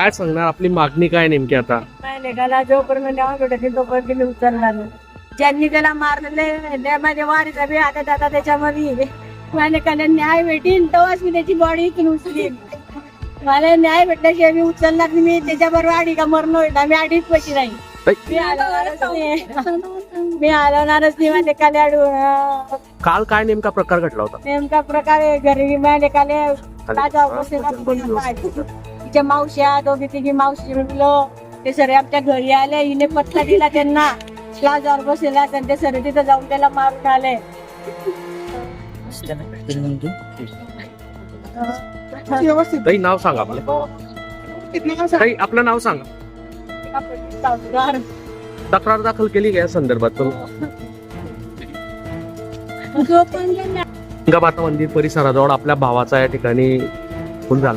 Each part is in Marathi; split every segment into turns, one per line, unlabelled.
काय सांगणार, आपली मागणी काय नेमकी आता?
लेखाला जोपर्यंत न्याय भेटत तोपर्यंत मी उचलणार नाही. ज्यांनी त्याला मारलेले माझ्या वारीचा बी आता दादा त्याच्यामध्ये माझ्याकडे न्याय भेटीन तेव्हाच मी त्याची बॉडी इथून उचलीन. मला न्याय भेटल्याशिवाय मी उचलणार नाही. मी त्याच्याबरोबर आडी का मरण होईल मी आडीच पैसे नाही. मी हलवणारच नाही माझ्या काले अडू.
काल काय नेमका प्रकार घडला होता?
नेमका प्रकारे घरी माझ्या काले तिच्या मावश्या दोघी तिघी मावशी मुलं ते सगळे आमच्या घरी आले. हिने पत्ता दिला त्यांना प्लाझावर बसलेला ते सगळे तिथं जाऊन त्याला मारून आले.
ताई नाव सांगा आपलं. ताई आपलं नाव सांगा. तक्रार दाखल केली का या संदर्भात? गंगामाता मंदिर परिसराजवळ आपल्या भावाचा या ठिकाणी खून झाला.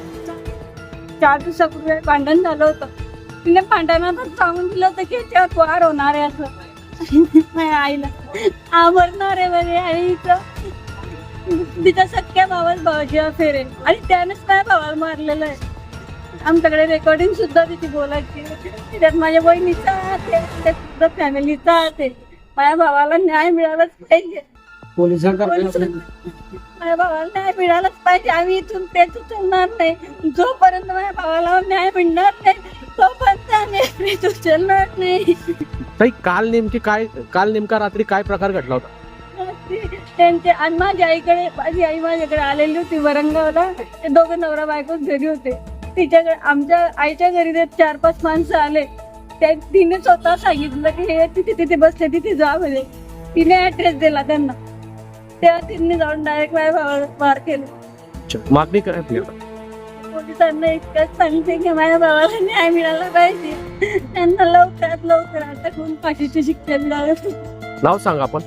4 दिवसापूर्वी भांडण झालं होतं. तिने भांडणातच सांगून दिलं होतं की त्यात वार होणार आहे असं. माझ्या आईला आवडणार आहे बरे आईचं. तिच्या सख्या भावाची अफेअर आहे आणि त्यानेच माझ्या भावाला मारलेलं आहे. आमच्याकडे रेकॉर्डिंग सुद्धा तिची बोलायची. त्यात माझ्या बहिणीचा हात आहे, त्यात सुद्धा फॅमिलीचा हात आहे. माझ्या भावाला न्याय मिळालाच पाहिजे. माझ्या भावाला न्याय मिळालाच पाहिजे. आम्ही इथून तेच उचलणार नाही. जोपर्यंत माझ्या भावाला न्याय मिळणार नाही तोपर्यंत आम्ही उचलणार नाही.
ताई काल नेमका रात्री काय प्रकार घडला होता?
त्यांचे आणि माझी आई माझ्याकडे आलेली होती वरंगावला. ते दोघं नवरा बायकोच घरी होते. तिच्याकडे आमच्या आईच्या घरी ते 4-5 माणसं आले. तिने स्वतः सांगितलं की हे तिथे बसले तिथे जा म्हणे. तिने ऍड्रेस दिला त्यांना. तेव्हा तिने जाऊन डायरेक्ट माझ्या भावाला मार केलं.
मागणी काय आपली?
पोलिसांना इतकंच सांगते की माझ्या भावाला न्याय मिळाला पाहिजे. त्यांना लवकरात लवकर अटकून फाशीची शिक्षा मिळाली.
नाव सांगा आपण.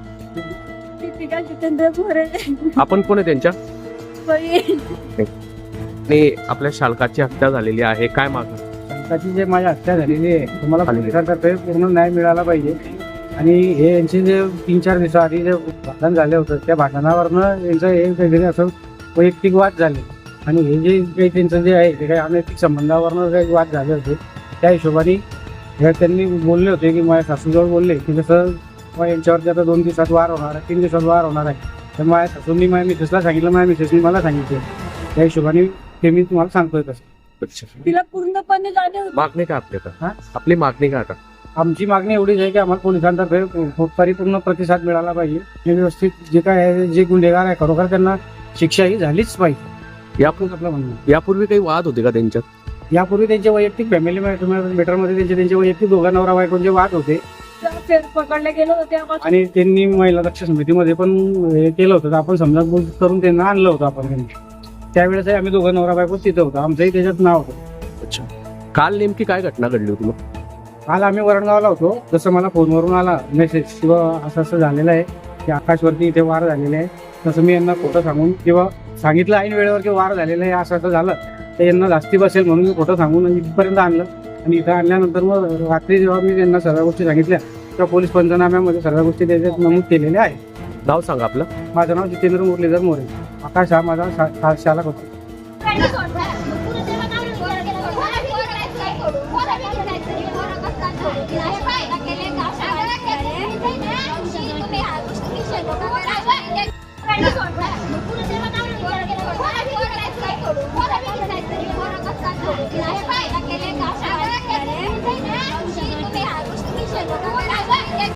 दीपिका जितेंद्र मोरे.
आपण कोण आहे त्यांच्या?
बहीण.
आणि आपल्या शालकाची हत्या झालेली आहे, काय मागणी?
शालकाची जे माझी हत्या झालेली आहे तुम्हाला पोलिसांतर्फे पूर्ण न्याय मिळाला पाहिजे. आणि हे यांचे जे 3-4 दिवसाआधी जे भांडण झाले होतं त्या भांडणावरनं यांचं हे काहीतरी असं वैयक्तिक वाद झाले. आणि हे जे काही त्यांचं जे आहे ते काही अनैतिक संबंधावरनं काही वाद झाले होते. त्या हिशोबाने त्यांनी बोलले होते की माझ्या सासूजवळ बोलले की जसं यांच्यावरती आता 2 दिवसात वार होणार आहे, 3 दिवसात वार होणार आहे. तर माझ्या सासूंनी माझ्या मिसेसला सांगितलं, माझ्या मिसेसनी मला सांगितलं. त्या हिशोबाने ते मी तुम्हाला सांगतोय तसं.
तिला पूर्णपणे जाणे होते.
मागणी काय आपली? आपली मागणी काय आता?
आमची मागणी एवढीच आहे की आम्हाला पोलिसांतर्फे परिपूर्ण प्रतिसाद मिळाला पाहिजे. हे व्यवस्थित जे काय आहे जे गुन्हेगार आहे खरोखर त्यांना शिक्षा ही झालीच पाहिजे. आपलं म्हणणं.
यापूर्वी काही वाद होते का त्यांच्यात?
यापूर्वी त्यांचे वैयक्तिक फॅमिली मॅटरमध्ये त्यांचे वैयक्तिक दोघा नवरा बायकोचे वाद होते.
पकडले गेले होते
आणि त्यांनी महिला रक्षा समितीमध्ये पण हे केलं होतं. आपण समजा करून त्यांना आणलं होतं आपण त्यांनी. त्यावेळेस आम्ही दोघं नवरा बायको तिथं होतो. आमचंही त्याच्यात नाव होतं.
अच्छा. काल नेमकी काय घटना घडली होती?
काल आम्ही वरणगावला होतो. जसं मला फोनवरून आला मेसेज किंवा असं झालेलं आहे की आकाशवरती इथे वार झालेले आहे, तसं मी यांना खोटं सांगून किंवा सांगितलं ऐन वेळेवर की वार झालेलं आहे असं झालं तर यांना जास्ती बसेल म्हणून मी खोटं सांगून इथपर्यंत आणलं. आणि इथं आणल्यानंतर मग रात्री जेव्हा मी त्यांना सर्व गोष्टी सांगितल्या तेव्हा पोलीस पंचनाम्यामध्ये सर्व गोष्टी त्याच्यात नमूद केलेल्या आहेत.
नाव सांगा आपलं.
माझं नाव जितेंद्र मुरलीधर मोरे. आकाश हा माझा शालक होता.